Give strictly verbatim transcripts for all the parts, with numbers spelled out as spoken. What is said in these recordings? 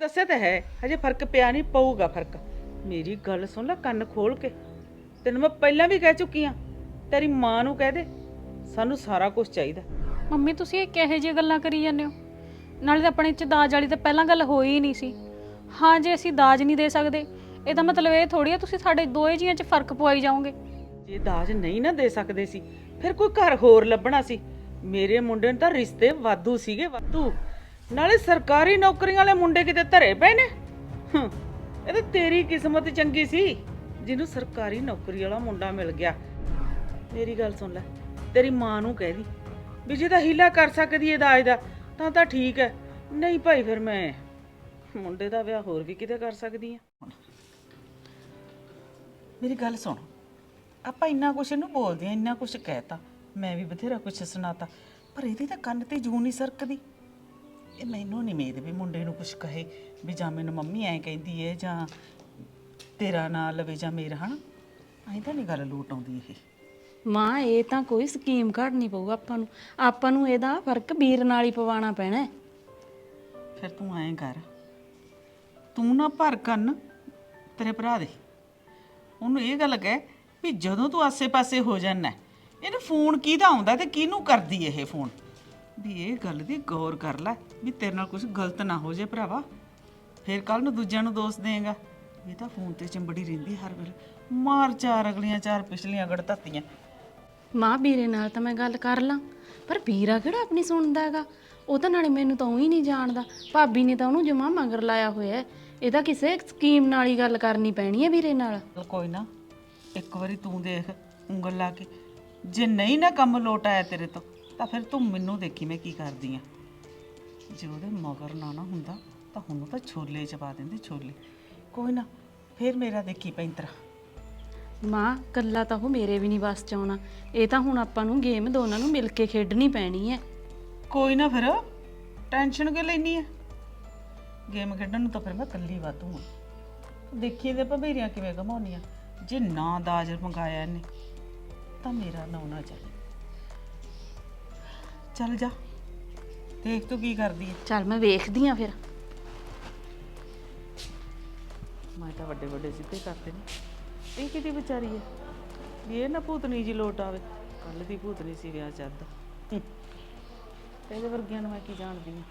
ਦੱਸਿਆ ਤਾਂ ਹੈ ਹਜੇ ਫਰਕ ਪਿਆ ਨਹੀਂ, ਪਊਗਾ ਫਰਕ। ਮੇਰੀ ਗੱਲ ਸੁਣ ਲੈ ਕੰਨ ਖੋਲ ਕੇ, ਤੈਨੂੰ ਮੈਂ ਪਹਿਲਾਂ ਵੀ ਕਹਿ ਚੁੱਕੀ ਆ, ਤੇਰੀ ਮਾਂ ਨੂੰ ਕਹਿ ਦੇ ਸਾਨੂੰ ਸਾਰਾ ਕੁਝ ਚਾਹੀਦਾ। ਮੰਮੀ ਤੁਸੀਂ ਇਹ ਕਿਹੋ ਜਿਹੀਆਂ ਗੱਲਾਂ ਕਰੀ ਜਾਂਦੇ ਹੋ? ਨਾਲੇ ਤਾਂ ਆਪਣੇ ਚ ਦਾਜ ਵਾਲੀ ਤਾਂ ਪਹਿਲਾਂ ਗੱਲ ਹੋਈ ਹੀ ਨਹੀਂ ਸੀ। ਹਾਂ ਜੇ ਅਸੀਂ ਦਾਜ ਨਹੀਂ ਦੇ ਸਕਦੇ ਇਹਦਾ ਮਤਲਬ ਇਹ ਥੋੜੀ ਆ ਤੁਸੀਂ ਸਾਡੇ ਦੋਏ ਜੀਆਂ ਚ ਫਰਕ ਪਵਾਈ ਜਾਓਗੇ। ਜੇ ਦਾਜ ਨਹੀਂ ਨਾ ਦੇ ਸਕਦੇ ਸੀ ਫਿਰ ਕੋਈ ਘਰ ਹੋਰ ਲੱਭਣਾ ਸੀ। ਮੇਰੇ ਮੁੰਡੇ ਨੂੰ ਤਾਂ ਰਿਸ਼ਤੇ ਵਾਧੂ ਸੀਗੇ, ਵਾਧੂ। ਨਾਲੇ ਸਰਕਾਰੀ ਨੌਕਰੀਆਂ ਵਾਲੇ ਮੁੰਡੇ ਕਿਤੇ ਧਰੇ ਪਏ ਨੇ। ਹੂੰ, ਇਹ ਤਾਂ ਤੇਰੀ ਕਿਸਮਤ ਚੰਗੀ ਸੀ ਜਿਹਨੂੰ ਸਰਕਾਰੀ ਨੌਕਰੀ ਵਾਲਾ ਮੁੰਡਾ ਮਿਲ ਗਿਆ। ਮੇਰੀ ਗੱਲ ਸੁਣ ਲੈ, ਤੇਰੀ ਮਾਂ ਨੂੰ ਕਹਿ ਦੀ ਵੀ ਜੇ ਤਾਂ ਹੀਲਾ ਕਰ ਸਕਦੀ ਏ ਦਾਜ ਦਾ ਤਾਂ ਤਾਂ ਠੀਕ ਹੈ, ਨਹੀਂ ਭਾਈ ਫਿਰ ਮੈਂ ਮੁੰਡੇ ਦਾ ਵਿਆਹ ਹੋਰ ਵੀ ਕਿਤੇ ਕਰ ਸਕਦੀ ਆ। ਮੇਰੀ ਗੱਲ ਸੁਣ, ਆਪਾਂ ਇੰਨਾ ਕੁਛ ਇਹਨੂੰ ਬੋਲਦੇ ਆ, ਇੰਨਾ ਕੁਛ ਕਹਿਤਾ, ਮੈਂ ਵੀ ਬਥੇਰਾ ਕੁਛ ਸੁਣਾਤਾ, ਪਰ ਇਹਦੀ ਤਾਂ ਕੰਨ ਤੇ ਜੂੰ ਨਹੀਂ ਸਰਕਦੀ। ਇਹ ਮੈਨੂੰ ਨਹੀਂ ਉਮੀਦ ਵੀ ਮੁੰਡੇ ਨੂੰ ਕੁਛ ਕਹੇ ਵੀ ਜਾਂ ਮੈਨੂੰ ਮੰਮੀ ਐਂ ਕਹਿੰਦੀ ਏ ਜਾਂ ਤੇਰਾ ਨਾਂ ਲਵੇ ਜਾਂ ਮੇਰਾ, ਹਨਾ ਐਂ ਤਾਂ ਨਹੀਂ ਗੱਲ ਲੋਟ ਆਉਂਦੀ ਇਹ। ਮਾਂ ਇਹ ਤਾਂ ਕੋਈ ਸਕੀਮ ਘੜਨੀ ਪਊ ਆਪਾਂ ਨੂੰ, ਆਪਾਂ ਨੂੰ ਇਹਦਾ ਫਰਕ ਵੀਰ ਨਾਲ ਹੀ ਪਵਾਉਣਾ ਪੈਣਾ। ਫਿਰ ਤੂੰ ਐਂ ਕਰ, ਤੂੰ ਨਾ ਭਰ ਕੰਨ ਤੇਰੇ ਭਰਾ ਦੇ, ਉਹਨੂੰ ਇਹ ਗੱਲ ਕਹਿ ਵੀ ਜਦੋਂ ਤੂੰ ਆਸੇ-ਪਾਸੇ ਹੋ ਜਾਣਾ ਇਹਨੂੰ ਫੋਨ ਕਿਹਦਾ ਆਉਂਦਾ ਤੇ ਕਿਹਨੂੰ ਕਰਦੀ ਇਹ ਫੋਨ, ਵੀ ਇਹ ਗੱਲ ਦੀ ਗੌਰ ਕਰ ਲੈ ਵੀ ਤੇਰੇ ਨਾਲ ਕੁਝ ਗਲਤ ਨਾ ਹੋ ਜੇ ਭਰਾਵਾ। ਫਿਰ ਕੱਲ ਨੂੰ ਦੂਜਿਆਂ ਨੂੰ ਦੋਸ਼ ਦੇਂਗਾ। ਇਹ ਤਾਂ ਫੋਨ ਤੇ ਚੰਬੜੀ ਰਹਿੰਦੀ ਹਰ ਵੇਲੇ, ਮਾਰ ਚਾਰ ਅਗਲੀਆਂ ਚਾਰ ਪਿਛਲੀਆਂ ਗੜ ਧੱਤੀਆਂ। ਮਾਂ ਵੀਰੇ ਨਾਲ ਤਾਂ ਮੈਂ ਗੱਲ ਕਰ ਲਾਂ, ਪਰ ਵੀਰਾ ਕਿਹੜਾ ਆਪਣੀ ਸੁਣਦਾ ਹੈਗਾ? ਉਹ ਤਾਂ ਨਾਲੇ ਮੈਨੂੰ ਤਾਂ ਉਹੀ ਨਹੀਂ ਜਾਣਦਾ, ਭਾਬੀ ਨੇ ਤਾਂ ਉਹਨੂੰ ਜਮਾ ਮਗਰ ਲਾਇਆ ਹੋਇਆ। ਇਹ ਤਾਂ ਕਿਸੇ ਸਕੀਮ ਨਾਲ ਹੀ ਗੱਲ ਕਰਨੀ ਪੈਣੀ ਹੈ ਵੀਰੇ ਨਾਲ। ਕੋਈ ਨਾ, ਇੱਕ ਵਾਰੀ ਤੂੰ ਦੇਖ ਉਂਗਲ ਲਾ ਕੇ, ਜੇ ਨਹੀਂ ਨਾ ਕੰਮ ਲੋਟ ਆਇਆ ਤੇਰੇ ਤੋਂ ਤਾਂ ਫਿਰ ਤੂੰ ਮੈਨੂੰ ਦੇਖੀ ਮੈਂ ਕੀ ਕਰਦੀ ਆ। ਜੇ ਉਹਦੇ ਮਗਰ ਨਾ ਨਾ ਹੁੰਦਾ ਤਾਂ ਹੁਣ ਤਾਂ ਛੋਲੇ ਚ ਪਾ ਦਿੰਦੇ, ਛੋਲੇ। ਕੋਈ ਨਾ, ਫਿਰ ਮੇਰਾ ਦੇਖੀ ਪੈਂਤਰਾ। ਮਾਂ ਕੱਲਾ ਤਾਂ ਉਹ ਮੇਰੇ ਵੀ ਨਹੀਂ ਬਸ ਚ ਆਉਣਾ, ਇਹ ਤਾਂ ਹੁਣ ਆਪਾਂ ਨੂੰ ਗੇਮ ਦੋਨਾਂ ਨੂੰ ਮਿਲ ਕੇ ਖੇਡਣੀ ਪੈਣੀ ਹੈ। ਕੋਈ ਨਾ, ਫਿਰ ਟੈਨਸ਼ਨ ਕਿਉਂ ਲੈਣੀ ਹੈ? ਗੇਮ ਖੇਡਣ ਨੂੰ ਤਾਂ ਫਿਰ ਮੈਂ ਇਕੱਲੀ ਵਾਧੂ ਆ। ਦੇਖੀ ਇਹਦੇ ਭਬੇਰੀਆਂ ਕਿਵੇਂ ਘਮਾਉਣੀਆਂ। ਜੇ ਨਾ ਦਾਜ ਮੰਗਾਇਆ ਇਹਨੇ ਤਾਂ ਮੇਰਾ ਨਾਂ ਨਾ ਚੱਲੇ। ਚੱਲ ਜਾ, ਦੇਖ ਤੂੰ ਕੀ ਕਰਦੀ ਹੈ। ਚੱਲ ਮੈਂ ਵੇਖਦੀ ਆ ਫਿਰ। ਮੈਂ ਤਾਂ ਵੱਡੇ ਵੱਡੇ ਸਿੱਧੇ ਕਰਦੇ ਨੇ, ਇਹ ਕਿਹਦੀ ਵਿਚਾਰੀ ਹੈ ਵੀ ਇਹ ਨਾ ਭੂਤਨੀ ਜੀ ਲੋਟ ਆਵੇ। ਕੱਲ ਦੀ ਭੂਤਨੀ ਸੀ ਵਿਆਹ ਚੱਦ, ਇਹਦੇ ਵਰਗਿਆਂ ਨੂੰ ਮੈਂ ਕੀ ਜਾਣਦੀ ਹਾਂ।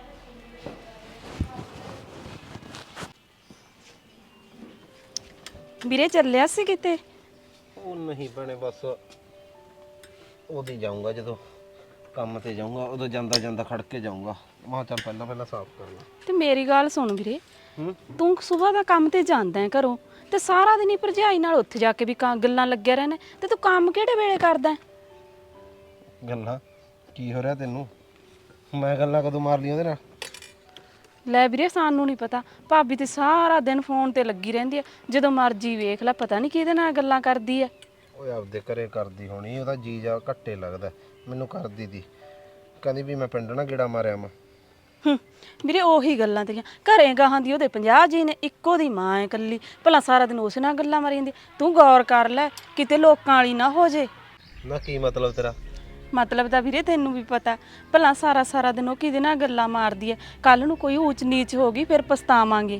ਵੀਰੇ ਚੱਲਿਆ ਸੀ ਕਿਤੇ? ਉਹ ਨਹੀਂ ਭੈਣੇ, ਬਸ ਉਹਦੇ ਜਾਊਂਗਾ ਜਦੋਂ ਕੰਮ ਤੇ ਜਾਊਂਗਾ, ਉਦੋਂ ਜਾਂਦਾ ਜਾਂਦਾ ਖੜ ਕੇ ਜਾਊਂਗਾ। ਮੈਂ ਚੱਲ ਪਹਿਲਾਂ ਪਹਿਲਾਂ ਸਾਫ਼ ਕਰ ਲਾਂ। ਤੇ ਮੇਰੀ ਗੱਲ ਸੁਣ ਵੀਰੇ, ਹੂੰ, ਤੂੰ ਸਵੇਰ ਦਾ ਕੰਮ ਤੇ ਜਾਂਦਾ ਹੈ ਘਰੋਂ ਤੇ ਸਾਰਾ ਦਿਨ ਹੀ ਭਰਜਾਈ ਨਾਲ ਉੱਥੇ ਜਾ ਕੇ ਵੀ ਕਾਂ ਗੱਲਾਂ ਲੱਗਿਆ ਰਹਿਣਾ, ਤੇ ਤੂੰ ਕੰਮ ਕਿਹੜੇ ਵੇਲੇ ਕਰਦਾ ਹੈ? ਗੱਲਾਂ ਕੀ ਹੋ ਰਿਹਾ ਤੈਨੂੰ? ਮੈਂ ਗੱਲਾਂ ਕਦੋਂ ਮਾਰ ਲਈ ਉਹਦੇ ਨਾਲ? ਲੈ ਵੀਰੇ ਸਾਨੂੰ ਨਹੀਂ ਪਤਾ, ਭਾਬੀ ਤੇ ਸਾਰਾ ਦਿਨ ਫੋਨ ਤੇ ਲੱਗੀ ਰਹਿੰਦੀ ਹੈ, ਜਦੋਂ ਮਰਜੀ ਵੇਖ ਲੈ, ਪਤਾ ਨਹੀਂ ਕਿਹਦੇ ਨਾਲ ਗੱਲਾਂ ਕਰਦੀ ਹੈ। ਓਏ ਆਪਦੇ ਘਰੇ ਕਰਦੀ ਹੋਣੀ, ਉਹਦਾ ਜੀ ਜਾ ਘੱਟੇ ਲੱਗਦਾ। ਮੈਨੂੰ ਕਰਦੀ ਦੀ, ਕਹਿੰਦੀ ਵੀ ਮੈਂ ਪਿੰਡ ਨਾ ਗੇੜਾ ਮਾਰਿਆ ਮੈਂ। ਹੂੰ ਵੀਰੇ ਉਹੀ ਗੱਲਾਂ ਤੇਰੀਆਂ, ਘਰੇ ਗਾਹਾਂ ਦੀ ਉਹਦੇ ਪੰਜਾਹ ਜੀ ਨੇ, ਇੱਕੋ ਦੀ ਮਾਂ ਹੈ ਇਕੱਲੀ, ਭਲਾ ਸਾਰਾ ਦਿਨ ਉਸ ਨਾਲ ਗੱਲਾਂ ਮਾਰੀ ਜਾਂਦੀ। ਤੂੰ ਗੌਰ ਕਰ ਲੈ ਕਿਤੇ ਲੋਕਾਂ ਵਾਲੀ ਨਾ ਹੋ ਜੇ। ਨਾ ਕੀ ਮਤਲਬ ਤੇਰਾ? ਮਤਲਬ ਤਾਂ ਵੀਰੇ ਤੈਨੂੰ ਵੀ ਪਤਾ, ਭਲਾ ਸਾਰਾ ਸਾਰਾ ਦਿਨ ਉਹ ਕਿਹਦੇ ਨਾਲ ਗੱਲਾਂ ਮਾਰਦੀ ਹੈ, ਕੱਲ ਨੂੰ ਕੋਈ ਊਚ ਨੀਚ ਹੋ ਗਈ ਫਿਰ ਪਛਤਾਵਾਂਗੇ।